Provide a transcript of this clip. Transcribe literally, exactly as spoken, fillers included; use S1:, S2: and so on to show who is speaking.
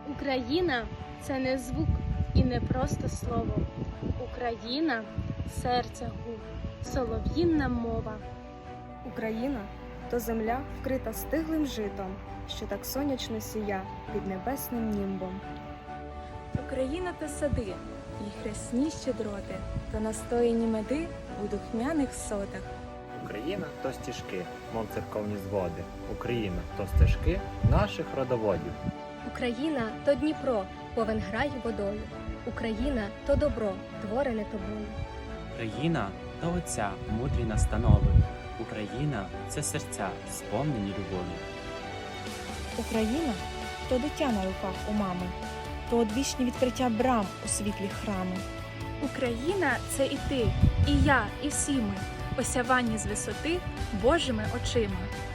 S1: Україна це не звук і не просто слово. Україна серця гук, солов'їнна мова.
S2: Україна то земля, вкрита стиглим житом, що так сонячно сія під небесним німбом.
S3: Україна то сади, і хресні щедроти, то настояні меди у духмяних сотах.
S4: Україна то стіжки, мов церковні зводи. Україна то стежки наших родоводів.
S5: Україна то Дніпро, повен грай водою. Україна то добро, творене тобою.
S6: Україна то отця, мудрі настанови. Україна це серця, сповнені любові.
S7: Україна то дитя на руках у мами, то одвічні відкриття брам у світлі храми.
S3: Україна це і ти, і я, і всі ми, осявані з висоти Божими очима.